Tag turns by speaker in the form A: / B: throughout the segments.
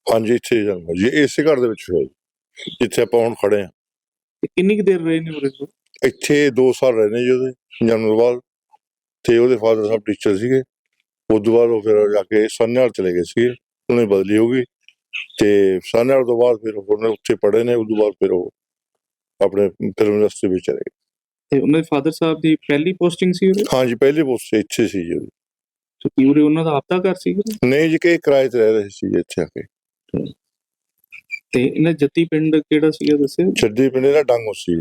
A: ਹਾਂਜੀ, ਇੱਥੇ ਜਨਮ ਹੋਇਆ ਜੀ, ਇਸੇ ਘਰ ਦੇ ਵਿੱਚ ਹੋਇਆ ਜੀ, ਜਿੱਥੇ ਆਪਾਂ ਹੁਣ ਖੜੇ ਹਾਂ।
B: ਤੇ ਕਿੰਨੀ ਕੁ ਦੇਰ ਰਹੇ ਨੇ ਉਰੇ ਕੋਲ?
A: ਇੱਥੇ 2 ਸਾਲ ਰਹੇ ਨੇ ਜੀ ਉਹਦੇ ਜਨਮ ਤੋਂ ਬਾਅਦ। ਤੇ ਉਹਦੇ ਫਾਦਰ ਸਾਹਿਬ ਟੀਚਰ ਸੀਗੇ। ਉਸ ਤੋਂ ਬਾਅਦ ਉਹ ਫਿਰ ਜਾ ਕੇ ਸਾਨੇਵਾਲ ਚਲੇ ਗਏ ਸੀਗੇ, ਉਹਨੇ ਬਦਲੀ ਹੋ ਗਈ। ਤੇ ਸਾਨੇਵਾਲ ਤੋਂ ਬਾਅਦ ਫਿਰ ਉਹਨੇ ਉੱਥੇ ਪੜ੍ਹੇ ਨੇ। ਉਸ ਤੋਂ ਬਾਅਦ ਫਿਰ ਉਹ ਆਪਣੇ ਫਿਲਮ ਇੰਡਸਟਰੀ ਵਿੱਚ ਚਲੇ ਗਏ।
B: ਤੇ ਉਹਨਾਂ ਦੇ ਫਾਦਰ ਸਾਹਿਬ ਦੀ ਪਹਿਲੀ ਪੋਸਟਿੰਗ ਸੀ ਉਰੇ?
A: ਹਾਂਜੀ, ਪਹਿਲੀ ਪੋਸਟ ਇੱਥੇ ਸੀ ਜੀ ਉਹਦੀ।
B: ਤੇ ਕੀ ਉਰੇ ਉਹਨਾਂ ਦਾ ਆਪਦਾ ਘਰ ਸੀ ਉਰੇ?
A: ਨਹੀਂ ਜੀ, ਕਿ ਕਿਰਾਏ ਤੇ ਰਹਿ ਰਹੇ ਸੀ ਜੀ ਇੱਥੇ ਆ ਕੇ।
B: ਤੇ ਇਹਨਾਂ ਜੱਤੀ ਪਿੰਡ ਕਿਹੜਾ ਸੀਗਾ ਦੱਸਿਓ?
A: ਛੱਡੀ ਪਿੰਡੇ ਦਾ ਡਾਂਗੋ ਸੀ।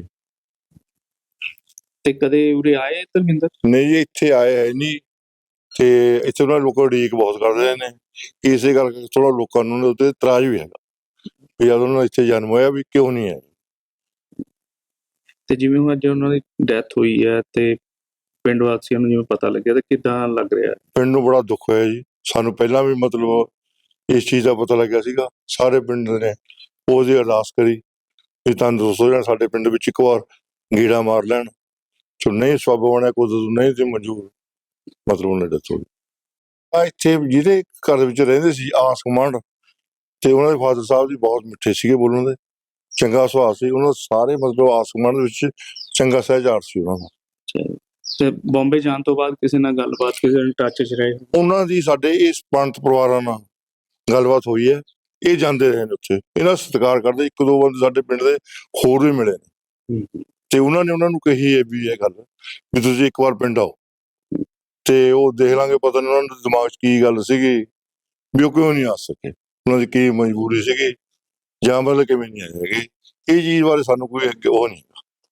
B: ਤੇ ਕਦੇ ਉਰੇ ਆਏ ਧਰਮਿੰਦਰ?
A: ਨਹੀਂ ਜੀ, ਇੱਥੇ ਆਏ ਹੈ ਨਹੀਂ। ਤੇ ਇੱਥੇ ਉਹਨਾਂ ਲੋਕਾਂ ਉਡੀਕ ਬਹੁਤ ਕਰਦੇ ਨੇ, ਇਸੇ ਕਰਕੇ ਥੋੜਾ ਲੋਕਾਂ ਨੂੰ ਉਹਦੇ ਉੱਤੇ ਇਤਰਾਜ਼ ਵੀ ਹੈਗਾ ਵੀ ਜਦ ਉਹਨਾਂ ਦਾ ਇੱਥੇ ਜਨਮ ਹੋਇਆ ਵੀ ਕਿਉਂ ਨਹੀਂ ਹੈ।
B: ਤੇ ਜਿਵੇਂ ਹੁਣ ਅੱਜ ਉਹਨਾਂ ਦੀ ਡੈਥ ਹੋਈ ਹੈ ਤੇ ਪਿੰਡ ਵਾਸੀਆਂ ਨੂੰ ਜਿਵੇਂ ਪਤਾ ਲੱਗਿਆ ਤੇ ਕਿੱਦਾਂ ਲੱਗ ਰਿਹਾ?
A: ਪਿੰਡ ਨੂੰ ਬੜਾ ਦੁੱਖ ਹੋਇਆ ਜੀ। ਸਾਨੂੰ ਪਹਿਲਾਂ ਵੀ ਮਤਲਬ ਇਸ ਚੀਜ਼ ਦਾ ਪਤਾ ਲੱਗਿਆ ਸੀਗਾ। ਸਾਰੇ ਪਿੰਡ ਨੇ ਉਹਦੀ ਅਰਦਾਸ ਕਰੀ ਵੀ ਤੰਦਰੁਸਤ ਹੋ ਜਾਣ, ਸਾਡੇ ਪਿੰਡ ਵਿੱਚ ਇੱਕ ਵਾਰ ਗੇੜਾ ਮਾਰ ਲੈਣ। ਜੋ ਨਹੀਂ ਸਬੱਬ ਬਣਿਆ, ਕੁਝ ਨਹੀਂ ਤੇ ਮਨਜ਼ੂਰ, ਮਤਲਬ ਉਹਨੇ ਡੈਥ ਹੋ ਗਈ। ਇੱਥੇ ਜਿਹਦੇ ਘਰ ਵਿੱਚ ਰਹਿੰਦੇ ਸੀ ਆਸ ਗੁਆਂਢ, ਤੇ ਉਹਨਾਂ ਦੇ ਫਾਦਰ ਸਾਹਿਬ ਜੀ ਬਹੁਤ ਮਿੱਠੇ ਸੀਗੇ ਬੋਲਣ ਦੇ, ਚੰਗਾ ਸੁਭਾਅ ਸੀ ਉਹਨਾਂ ਦਾ। ਸਾਰੇ ਮਤਲਬ ਆਸ ਗੁਆਂਢ ਦੇ ਵਿੱਚ ਚੰਗਾ ਸਹਿਜਾਰ ਸੀ ਉਹਨਾਂ ਦਾ।
B: ਤੇ ਬੰਬੇ ਜਾਣ ਤੋਂ ਬਾਅਦ ਕਿਸੇ ਨਾਲ ਗੱਲਬਾਤ, ਕਿਸੇ ਨਾਲ ਟੱਚ 'ਚ ਰਹੇ?
A: ਉਹਨਾਂ ਦੀ ਸਾਡੇ ਇਸ ਪੰਥ ਪਰਿਵਾਰਾਂ ਨਾਲ ਗੱਲਬਾਤ ਹੋਈ ਹੈ। ਇਹ ਜਾਂਦੇ ਰਹੇ ਨੇ ਉੱਥੇ, ਇਹਨਾਂ ਦਾ ਸਤਿਕਾਰ ਕਰਦੇ। 1-2 ਬੰਦੇ ਸਾਡੇ ਪਿੰਡ ਦੇ ਹੋਰ ਵੀ ਮਿਲੇ ਨੇ, ਤੇ ਉਹਨਾਂ ਨੇ ਉਹਨਾਂ ਨੂੰ ਕਹੀ ਹੈ ਵੀ ਇਹ ਗੱਲ ਵੀ ਤੁਸੀਂ ਇੱਕ ਵਾਰ ਪਿੰਡ ਆਓ ਤੇ ਉਹ ਦੇਖ ਲਾਂਗੇ। ਪਤਾ ਨਹੀਂ ਉਹਨਾਂ ਦੇ ਦਿਮਾਗ 'ਚ ਕੀ ਗੱਲ ਸੀਗੀ ਵੀ ਉਹ ਕਿਉਂ ਨਹੀਂ ਆ ਸਕੇ, ਉਹਨਾਂ ਦੀ ਕੀ ਮਜਬੂਰੀ ਸੀਗੀ, ਜਾਂ ਮਤਲਬ ਕਿਵੇਂ ਨਹੀਂ ਆਏ ਹੈਗੇ। ਇਹ ਚੀਜ਼ ਬਾਰੇ ਸਾਨੂੰ ਕੋਈ ਉਹ ਨਹੀਂ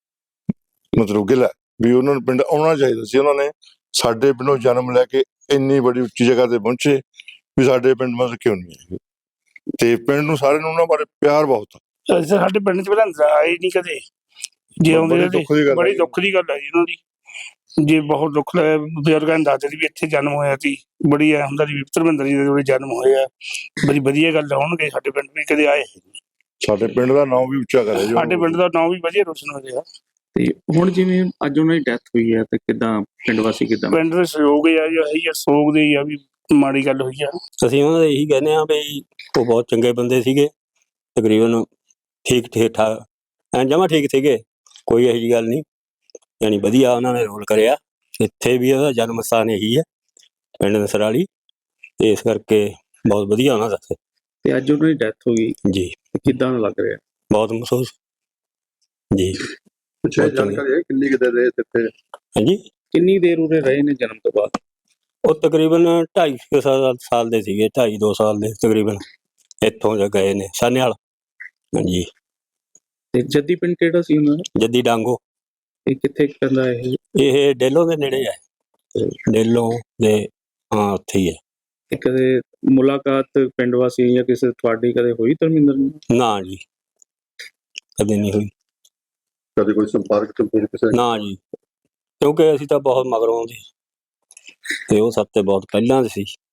A: ਮਤਲਬ ਗਿਲਾ ਵੀ ਉਹਨਾਂ ਨੂੰ ਪਿੰਡ ਆਉਣਾ ਚਾਹੀਦਾ ਸੀ। ਉਹਨਾਂ ਨੇ ਸਾਡੇ ਪਿੰਡੋਂ ਜਨਮ ਲੈ ਕੇ ਇੰਨੀ ਬੜੀ ਉੱਚੀ ਜਗ੍ਹਾ ਤੇ ਪਹੁੰਚੇ ਵੀ ਸਾਡੇ ਪਿੰਡ ਮਤਲਬ ਕਿਉਂ ਨਹੀਂ ਆਏ। ਤੇ ਪਿੰਡ ਨੂੰ ਸਾਰਿਆਂ ਨੂੰ ਉਹਨਾਂ ਬਾਰੇ ਪਿਆਰ ਬਹੁਤ ਆ।
C: ਸਾਡੇ ਪਿੰਡ 'ਚ ਪਹਿਲਾਂ ਆਏ ਨਹੀਂ ਕਦੇ, ਜੇ ਆਉਂਦੇ ਬੜੀ ਦੁੱਖ ਦੀ ਗੱਲ ਹੈ ਜੀ ਉਹਨਾਂ ਦੀ। ਜੇ ਬਹੁਤ ਦੁੱਖ ਲੱਗਿਆ, ਬਜ਼ੁਰਗਾਂ ਨੇ ਦੱਸਦੇ ਸੀ ਵੀ ਇੱਥੇ ਜਨਮ ਹੋਇਆ ਸੀ। ਬੜੀ ਐ ਹੁੰਦਾ ਸੀ ਵੀ ਧਰਮਿੰਦਰ ਜੀ ਦੇ ਜਿਹੜੇ ਜਨਮ ਹੋਏ ਆ, ਬੜੀ ਵਧੀਆ ਗੱਲ ਹੋਣਗੇ। ਸਾਡੇ ਪਿੰਡ ਵੀ ਕਦੇ ਆਏ,
A: ਸਾਡੇ ਪਿੰਡ ਦਾ ਨਾਮ ਵੀ ਉੱਚਾ ਕਰਿਆ ਜੀ।
C: ਸਾਡੇ ਪਿੰਡ ਦਾ ਨਾਮ ਵੀ ਵਧੀਆ ਰੋਸ਼ਨ ਹੋ ਰਿਹਾ।
B: ਤੇ ਹੁਣ ਜਿਵੇਂ ਅੱਜ ਉਹਨਾਂ ਦੀ ਡੈਥ ਹੋਈ ਹੈ ਤੇ ਕਿੱਦਾਂ ਪਿੰਡ ਵਾਸੀ, ਕਿੱਦਾਂ
C: ਪਿੰਡ ਦੇ ਸਹਿਯੋਗ ਆ ਜੀ, ਇਹੀ ਸੋਗ ਦੇ ਹੀ ਆ ਵੀ ਮਾੜੀ ਗੱਲ ਹੋਈ ਆ।
D: ਅਸੀਂ ਉਹਨਾਂ ਦੇ ਇਹੀ ਕਹਿੰਦੇ ਹਾਂ ਵੀ ਉਹ ਬਹੁਤ ਚੰਗੇ ਬੰਦੇ ਸੀਗੇ, ਤਕਰੀਬਨ ਠੀਕ ਠਾਕ ਜਮਾਂ ਠੀਕ ਸੀਗੇ, ਕੋਈ ਇਹੋ ਜਿਹੀ ਗੱਲ ਨਹੀਂ। ਯਾਨੀ ਵਧੀਆ ਉਹਨਾਂ ਨੇ ਰੋਲ ਕਰਿਆ। ਇੱਥੇ ਵੀ ਉਹਦਾ ਜਨਮ ਸਥਾਨ ਇਹੀ ਹੈ, ਪਿੰਡ ਨਸਰਾਲੀ, ਤੇ ਇਸ ਕਰਕੇ ਬਹੁਤ ਵਧੀਆ ਉਹਨਾਂ ਦਾ।
B: ਤੇ ਅੱਜ ਉਹਨਾਂ ਦੀ ਡੈਥ ਹੋ ਗਈ
D: ਜੀ,
B: ਕਿੱਦਾਂ ਲੱਗ ਰਿਹਾ?
D: ਬਹੁਤ ਮਹਿਸੂਸ ਜੀ।
A: ਜਾਣਕਾਰੀ ਹੈ ਕਿੰਨੀ ਕੁ ਦੇਰ ਰਹੇ ਇੱਥੇ?
D: ਹਾਂਜੀ,
B: ਕਿੰਨੀ ਦੇਰ ਉਰੇ ਰਹੇ ਨੇ ਜਨਮ ਤੋਂ ਬਾਅਦ?
D: ਉਹ ਤਕਰੀਬਨ 2.5 ਸਾਲ ਦੇ ਸੀਗੇ, 2.5-2 ਸਾਲ ਦੇ ਤਕਰੀਬਨ। ਇੱਥੋਂ ਗਏ ਨੇ ਸਾਨੇਵਾਲ। ਹਾਂਜੀ।
B: ਤੇ ਜੱਦੀ ਪਿੰਡ ਕਿਹੜਾ ਸੀ ਉਹਨਾਂ ਦਾ?
D: ਜੱਦੀ ਡਾਂਗੋ।
B: ਇਹ ਕਿੱਥੇ ਪੈਂਦਾ ਇਹ?
D: ਇਹ ਡੇਲੋਂ ਦੇ ਨੇੜੇ ਹੈ, ਡੇਲੋਂ ਦੇ, ਹਾਂ ਉੱਥੇ ਹੀ ਹੈ।
B: ਤੇ ਕਦੇ ਮੁਲਾਕਾਤ ਪਿੰਡ ਵਾਸੀ ਜਾਂ ਕਿਸੇ ਤੁਹਾਡੀ ਕਦੇ ਹੋਈ ਧਰਮਿੰਦਰ ਨਾਲ?
D: ਨਾ ਜੀ, ਕਦੇ ਨਹੀਂ ਹੋਈ।
A: ਕਦੇ ਕੋਈ ਸੰਪਰਕ ਕਿਸੇ?
D: ਨਾ ਜੀ, ਕਿਉਂਕਿ ਅਸੀਂ ਤਾਂ ਬਹੁਤ ਮਗਰੋਂ ਦੇ, ਤੇ ਉਹ ਸਭ ਤੇ ਬਹੁਤ ਪਹਿਲਾਂ ਦੇ ਸੀ।